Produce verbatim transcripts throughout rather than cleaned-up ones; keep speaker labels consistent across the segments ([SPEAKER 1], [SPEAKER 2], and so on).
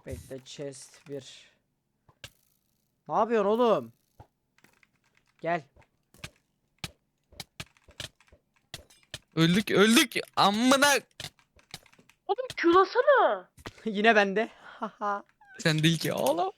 [SPEAKER 1] Bekle, chest bir. Ne yapıyorsun oğlum? Gel.
[SPEAKER 2] Öldük öldük. Amına.
[SPEAKER 3] Oğlum Q'lasana.
[SPEAKER 1] Yine bende. Haha.
[SPEAKER 2] Sen değil ki oğlum.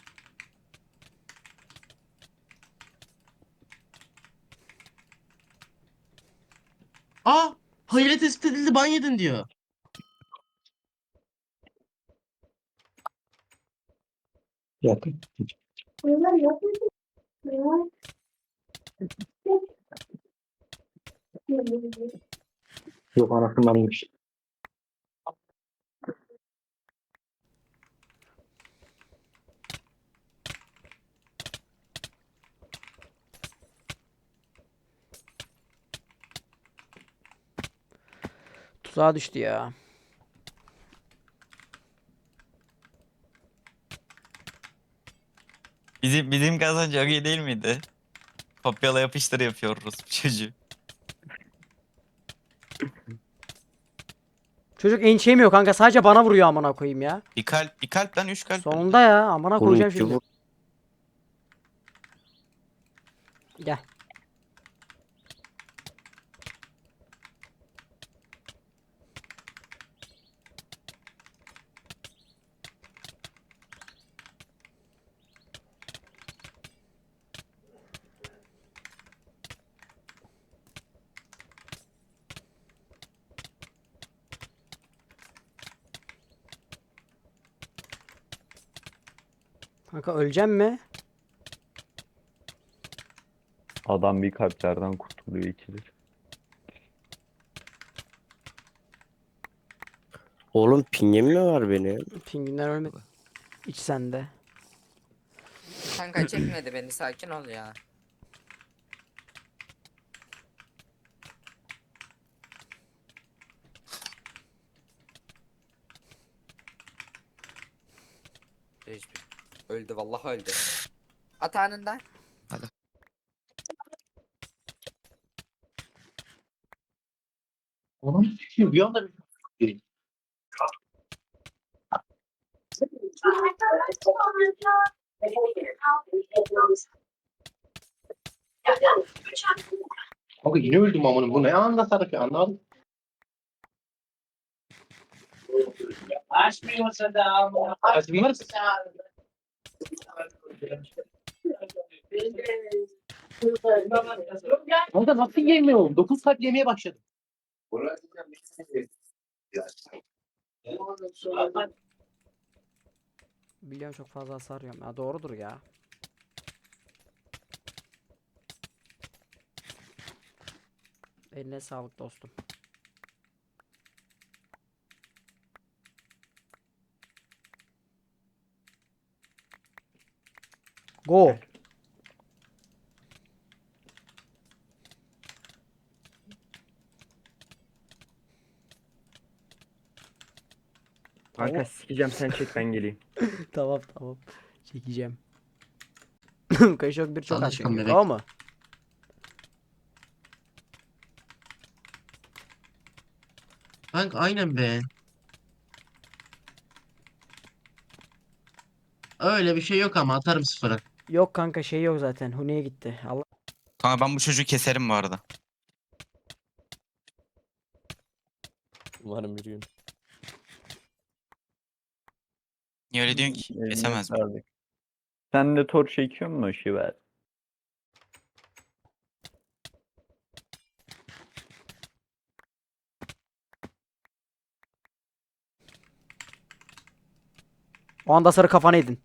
[SPEAKER 4] Aa! Hayret tespit edildi, ban yedin diyor.
[SPEAKER 5] Yakın. Yok anasından iyiymiş.
[SPEAKER 1] Tuzağa düştü ya.
[SPEAKER 2] Bizim bizim kazan çok iyi değil miydi? Kopyala yapıştır yapıyoruz bu çocuğu.
[SPEAKER 1] Çocuk ençeymiyor kanka, sadece bana vuruyor amına koyayım ya.
[SPEAKER 2] Bir kalp, bir kalp lan üç kalp.
[SPEAKER 1] Sonunda ya, amına
[SPEAKER 5] Oğlum
[SPEAKER 1] koyacağım
[SPEAKER 5] iki
[SPEAKER 1] şimdi.
[SPEAKER 5] vur.
[SPEAKER 1] Gel. Kanka öleceğim mi?
[SPEAKER 6] Adam bir kalplerden kurtuluyor ikidir.
[SPEAKER 5] Oğlum pingim mi var benim?
[SPEAKER 1] Pingvinler ölmedi. İç sende.
[SPEAKER 7] Kanka çekmedi beni, sakin ol ya. Hiçbir. Öldü vallahi öldü. At anında.
[SPEAKER 5] Oğlum bir anda bir Kanka yine öldüm amına. Bu ne anda sarık ya, anlamadım. Açmıyorsa da açmıyor musun? Kanka nasıl yemiyorum? dokuz saat yemeye başladım.
[SPEAKER 1] Biliyorum çok fazla hasar yiyorum. Ya doğrudur ya. Eline sağlık dostum. Go.
[SPEAKER 6] Kanka sikeceğim, sen çek ben geleyim.
[SPEAKER 1] Tamam tamam. Çekeceğim. Kaşok bir çok
[SPEAKER 4] Allah
[SPEAKER 1] az
[SPEAKER 4] aşkına
[SPEAKER 1] çünkü.
[SPEAKER 4] bebek.
[SPEAKER 1] O mu?
[SPEAKER 4] Kanka aynen be. Öyle bir şey yok ama atarım sıfıra.
[SPEAKER 1] Yok kanka, şey yok zaten. Hune'ye gitti. Allah.
[SPEAKER 2] Kanka ben bu çocuğu keserim bu arada.
[SPEAKER 8] Umarım bir gün.
[SPEAKER 2] Niye öyle diyorsun ki?
[SPEAKER 6] Eline
[SPEAKER 2] Kesemez mi?
[SPEAKER 6] sağlık. Sen de tor çekiyor musun Şiver?
[SPEAKER 1] O anda sarı kafana yedin.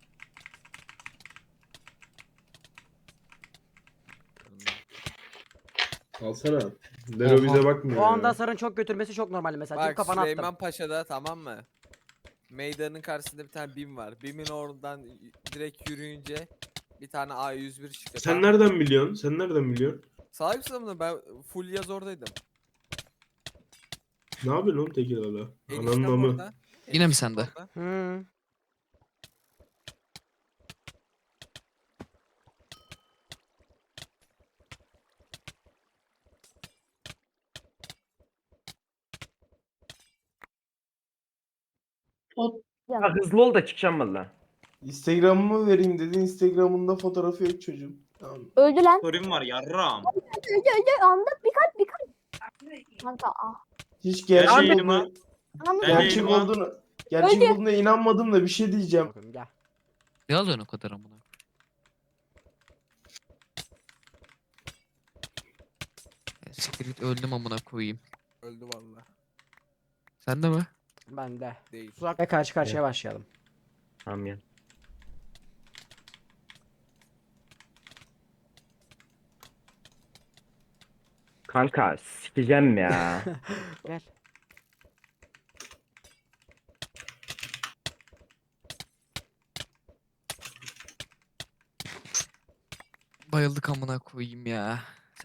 [SPEAKER 9] Alsana. Dero bize bakmıyor
[SPEAKER 1] O anda
[SPEAKER 9] ya.
[SPEAKER 1] sarın çok götürmesi çok normal mesela. Çünkü
[SPEAKER 8] Bak
[SPEAKER 1] kafana attım.
[SPEAKER 8] Süleyman Paşa'da, tamam mı? Meydanın karşısında bir tane BİM var. BİM'in oradan y- direkt yürüyünce bir tane A yüz bir çıkıyor.
[SPEAKER 9] Sen
[SPEAKER 8] tamam mı?
[SPEAKER 9] nereden biliyorsun? Sen nereden biliyorsun?
[SPEAKER 8] Salak mısın bunu? Ben full yaz oradaydım.
[SPEAKER 9] Ne yapıyorsun oğlum Tekirdağ'da? Ananın
[SPEAKER 8] Eniştem
[SPEAKER 9] amı.
[SPEAKER 8] orada.
[SPEAKER 2] Yine mi
[SPEAKER 8] eniştem
[SPEAKER 2] sende?
[SPEAKER 8] orada.
[SPEAKER 1] Hmm.
[SPEAKER 5] Ha, hızlı ol da çıkacağım valla.
[SPEAKER 9] Instagram'ımı vereyim dedi. Instagram'ında fotoğrafı yok çocuğun. Tamam.
[SPEAKER 10] Öldü lan.
[SPEAKER 4] Sorum var yarram.
[SPEAKER 10] Öldü öldü. Andık bir kalp bir kalp. Kanka ah.
[SPEAKER 9] Hiç
[SPEAKER 4] Gel
[SPEAKER 9] gerçek
[SPEAKER 4] yayınıma.
[SPEAKER 9] olduğunu,
[SPEAKER 10] Anladım.
[SPEAKER 4] Gel
[SPEAKER 9] gerçek
[SPEAKER 4] yayınıma.
[SPEAKER 9] olduğunu, gerçek olduğuna inanmadım da bir şey diyeceğim.
[SPEAKER 1] Bakın gel.
[SPEAKER 2] Ne alıyorsun o kadar amına? Siktir git öldüm amına koyayım.
[SPEAKER 8] Öldü valla.
[SPEAKER 2] Sen de mi?
[SPEAKER 1] Ben de.
[SPEAKER 8] Değil.
[SPEAKER 1] Ve karşı karşıya başlayalım.
[SPEAKER 5] Tamam ya. Kanka sikeceğim ya.
[SPEAKER 1] Gel.
[SPEAKER 2] Bayıldık amına koyayım ya.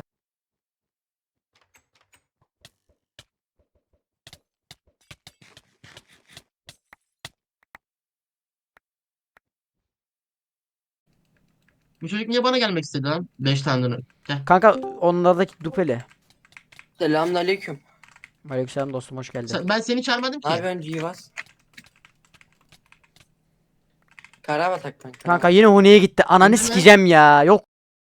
[SPEAKER 4] Bu çocuk niye bana gelmek istedi lan? Beş tane. Gel.
[SPEAKER 1] Kanka onlardaki dupeli.
[SPEAKER 7] Selamünaleyküm.
[SPEAKER 1] Aleykümselam dostum hoş geldin.
[SPEAKER 4] Sen- ben seni çağırmadım ki.
[SPEAKER 7] Ne yapıyorsun Civas? Karabatak kanka.
[SPEAKER 1] Kanka yine Huni'ye gitti. Ananı
[SPEAKER 4] Huni mi?
[SPEAKER 1] sikeceğim ya. Yok.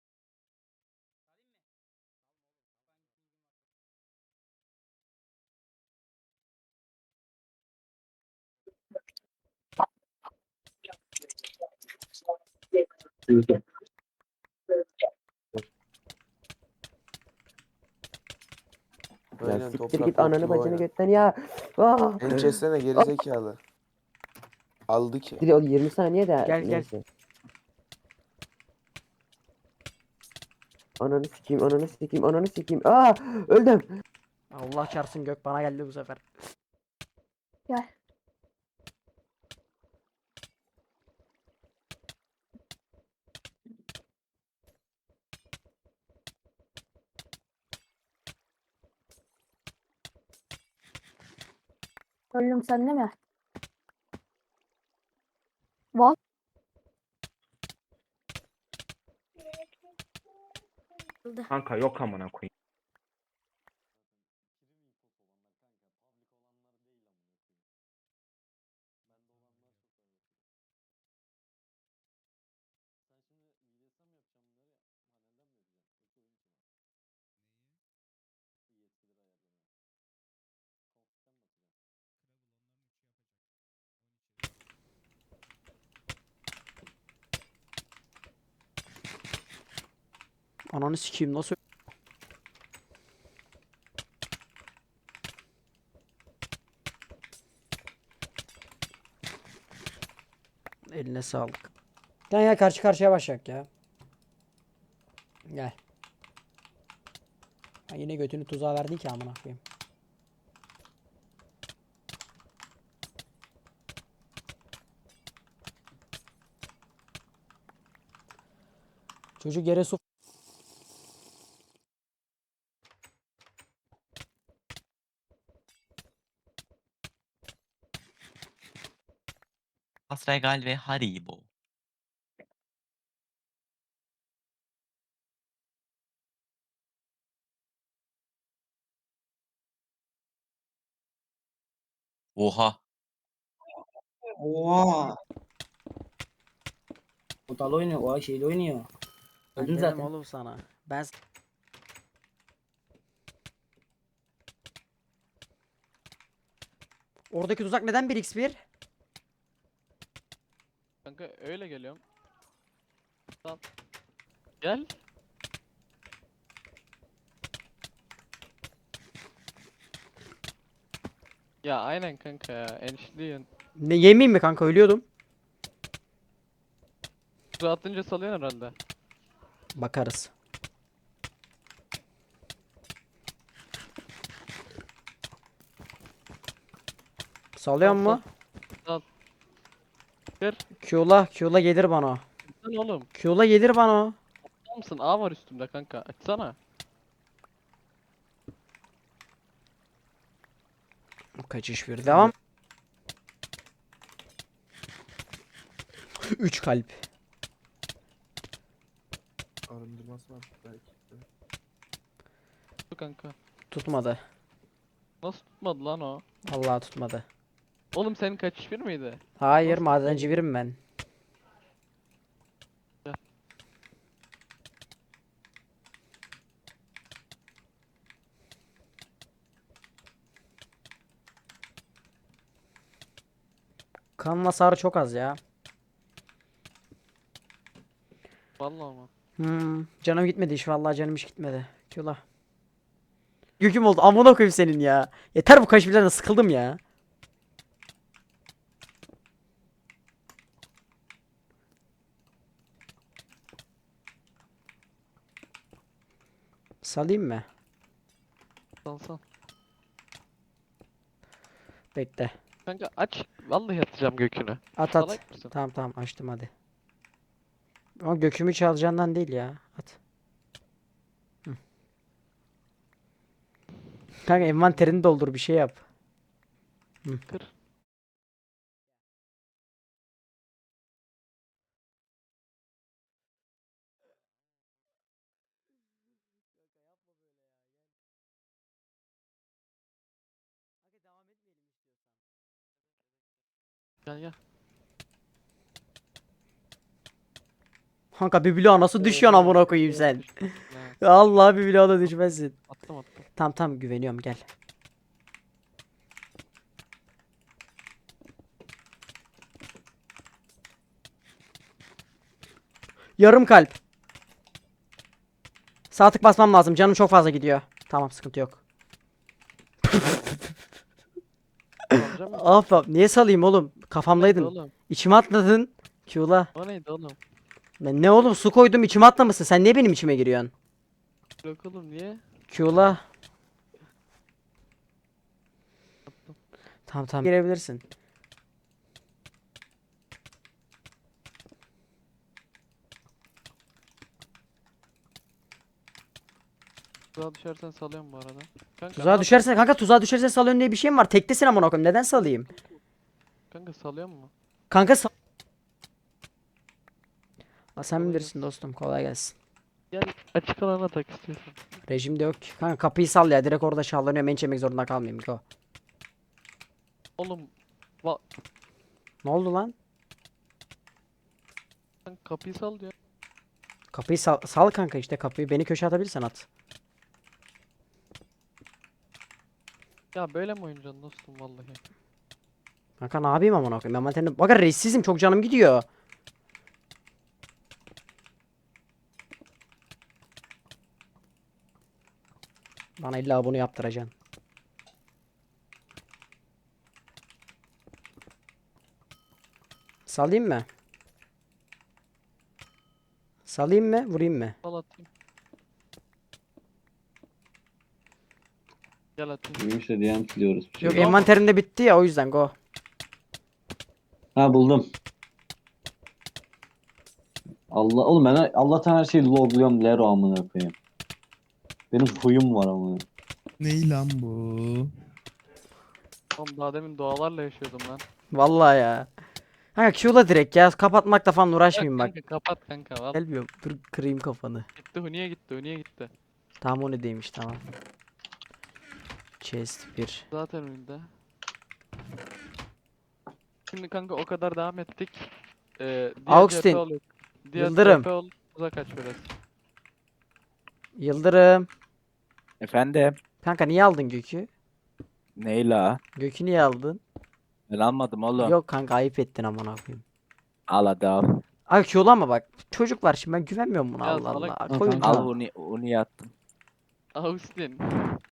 [SPEAKER 11] Ya siktir git ananı bacını götten ya. Ah.
[SPEAKER 12] Beni kessene gerizekalı. Aldı ki.
[SPEAKER 11] Siktir ol yirmi saniye de.
[SPEAKER 1] Gel, gel.
[SPEAKER 11] neyse. Ananı sikeyim, ananı sikeyim, ananı sikeyim. Aa, öldüm.
[SPEAKER 1] Allah çarpsın gök bana geldi bu sefer.
[SPEAKER 10] Gel. Öldüm sen değil mi? What?
[SPEAKER 5] Kanka yok amına koyayım.
[SPEAKER 1] Ananı sikeyim nasıl? Eline sağlık. Gel gel karşı karşıya başlayak ya. Gel. Ha, yine götünü tuzağa verdin ki amına koyayım. Çocuk yere su
[SPEAKER 2] Asregal ve Haribo. Oha.
[SPEAKER 7] Oha.
[SPEAKER 5] O dal oynuyor, o şeyle oynuyor.
[SPEAKER 1] Ben
[SPEAKER 5] Öldüm
[SPEAKER 1] dedim
[SPEAKER 5] zaten.
[SPEAKER 1] oğlum sana. Ben s- Oradaki tuzak neden bir x bir?
[SPEAKER 3] Kanka öyle geliyorum. Tamam. Gel. Ya aynen kanka ya. Enişliyin.
[SPEAKER 1] Ne yemeyeyim mi kanka ölüyordum.
[SPEAKER 3] Su atınca salıyorsun herhalde.
[SPEAKER 1] Bakarız. Salıyor
[SPEAKER 3] Sal,
[SPEAKER 1] mu?
[SPEAKER 3] sal. Kır.
[SPEAKER 1] Q'la Q'la gelir bana. o.
[SPEAKER 3] Lan oğlum.
[SPEAKER 1] Q'la gelir bana. o.
[SPEAKER 3] Tamam mısın? A var üstümde kanka. Açsana.
[SPEAKER 1] Kaçış bir devam. üç kalp.
[SPEAKER 12] Arındırması var belki.
[SPEAKER 3] Dur kanka.
[SPEAKER 1] Tutmadı.
[SPEAKER 3] Nasıl tutmadı lan o?
[SPEAKER 1] Vallahi tutmadı.
[SPEAKER 3] Oğlum senin kaçış bir miydi?
[SPEAKER 1] Hayır
[SPEAKER 3] Nasıl?
[SPEAKER 1] madenci birim ben.
[SPEAKER 3] Ya.
[SPEAKER 1] Kanın hasarı çok az ya.
[SPEAKER 3] Vallahi ama.
[SPEAKER 1] Hmm, canım gitmedi hiç vallahi canım hiç gitmedi. Kula. Yüküm oldu amına koyayım senin ya. Yeter bu kaşiflerden sıkıldım ya. Salayım mı?
[SPEAKER 3] Sal sal.
[SPEAKER 1] Bekle.
[SPEAKER 3] Kanka aç. Vallahi atacağım gökünü.
[SPEAKER 1] At at.
[SPEAKER 3] Salak mısın?
[SPEAKER 1] Tamam tamam açtım hadi. Ama gökümü çalacağından değil ya. At. Hı. Kanka envanterini doldur bir şey yap.
[SPEAKER 3] Kır. Gel gel.
[SPEAKER 1] Kanka bir bloğa nasıl düşüyorsun amına koyayım sen?
[SPEAKER 3] Ya,
[SPEAKER 1] Allah bir bloğa da düşmezsin.
[SPEAKER 3] attım attım.
[SPEAKER 1] Tamam tamam güveniyorum gel. Yarım kalp. Sağ tık basmam lazım. Canım çok fazla gidiyor. Tamam sıkıntı yok.
[SPEAKER 3] Salacağım mı?
[SPEAKER 1] Af af. Niye salayım oğlum?
[SPEAKER 3] Neydi
[SPEAKER 1] Kafamdaydın.
[SPEAKER 3] oğlum?
[SPEAKER 1] İçime atladın. Q'la.
[SPEAKER 3] O neydi oğlum?
[SPEAKER 1] Ben ne oğlum su koydum içime atlamışsın. Sen niye benim içime giriyorsun?
[SPEAKER 3] Yok oğlum niye?
[SPEAKER 1] Q'la. Tamam tamam. Girebilirsin.
[SPEAKER 3] Tuzağa düşersen salıyorum bu arada. Kanka,
[SPEAKER 1] Tuzağa
[SPEAKER 3] ne
[SPEAKER 1] düşersen kanka tuzağa düşersen salıyorsun diye bir şey mi var? Tektesin amına koyayım. Neden salayım?
[SPEAKER 3] yapıyorsun? Kanka salıyor mu?
[SPEAKER 1] Kanka sal... Aa, sen
[SPEAKER 3] Kolay
[SPEAKER 1] bilirsin dostum. Kolay gelsin.
[SPEAKER 3] Gel açık alana tak istiyorsan.
[SPEAKER 1] Rejimde yok ki. Kanka kapıyı sal ya. Direkt orada şahlanıyorum. Ben çekmek zorunda kalmayayım. Go.
[SPEAKER 3] Oğlum
[SPEAKER 1] Ne oldu lan?
[SPEAKER 3] sen kapıyı sal diyor.
[SPEAKER 1] Kapıyı sal, sal kanka işte kapıyı. Beni köşe atabilirsen at.
[SPEAKER 3] Ya böyle mi oynayacaksın dostum vallahi.
[SPEAKER 1] Kanka ne yapayım amına koyayım? Envanterimde... Bakın reissizim. Çok canım gidiyor. Bana illa bunu yaptıracaksın. Salayım mı? Salayım mı? Vurayım mı?
[SPEAKER 3] Sal atayım. Gel atayım.
[SPEAKER 6] Neymiş de diyen siliyoruz bir şey.
[SPEAKER 1] Yok envanterimde bitti ya o yüzden go.
[SPEAKER 6] Ha buldum. Allah oğlum ben Allah'tan her şeyi logluyorum Lero amına koyayım. Benim huyum var amına.
[SPEAKER 9] Ney lan bu?
[SPEAKER 3] Oğlum daha demin doğalarla yaşıyordum lan.
[SPEAKER 1] Vallahi ya. Kanka Q'la direkt ya. Kapatmakla falan
[SPEAKER 3] Ya
[SPEAKER 1] uğraşmayayım bak.
[SPEAKER 3] kanka kapat kanka valla.
[SPEAKER 1] Gelmiyorum. Dur kırayım kafanı.
[SPEAKER 3] Gitti Huni'ye gitti Huni'ye gitti.
[SPEAKER 1] Tamam o ne demiş tamam. Chest bir.
[SPEAKER 3] Zaten önünde. Şimdi kanka o kadar devam ettik. Ee, diğer
[SPEAKER 1] Augustin,
[SPEAKER 3] C P ol- diğer
[SPEAKER 1] Yıldırım.
[SPEAKER 3] C P ol, uzak aç biraz.
[SPEAKER 1] Yıldırım.
[SPEAKER 2] Efendim?
[SPEAKER 1] Kanka niye aldın Gök'ü?
[SPEAKER 2] Neyla?
[SPEAKER 1] Gök'ü niye aldın?
[SPEAKER 2] Ben almadım oğlum.
[SPEAKER 1] Yok kanka ayıp ettin amına koyayım.
[SPEAKER 2] Al hadi al.
[SPEAKER 1] Ay Q'lu ama bak. Çocuk var şimdi ben güvenmiyorum buna
[SPEAKER 3] Ya
[SPEAKER 1] Allah
[SPEAKER 3] salak
[SPEAKER 1] Allah.
[SPEAKER 6] mısın?
[SPEAKER 1] Koyun
[SPEAKER 6] Al
[SPEAKER 2] Al onu, onu yattım.
[SPEAKER 3] Augustin.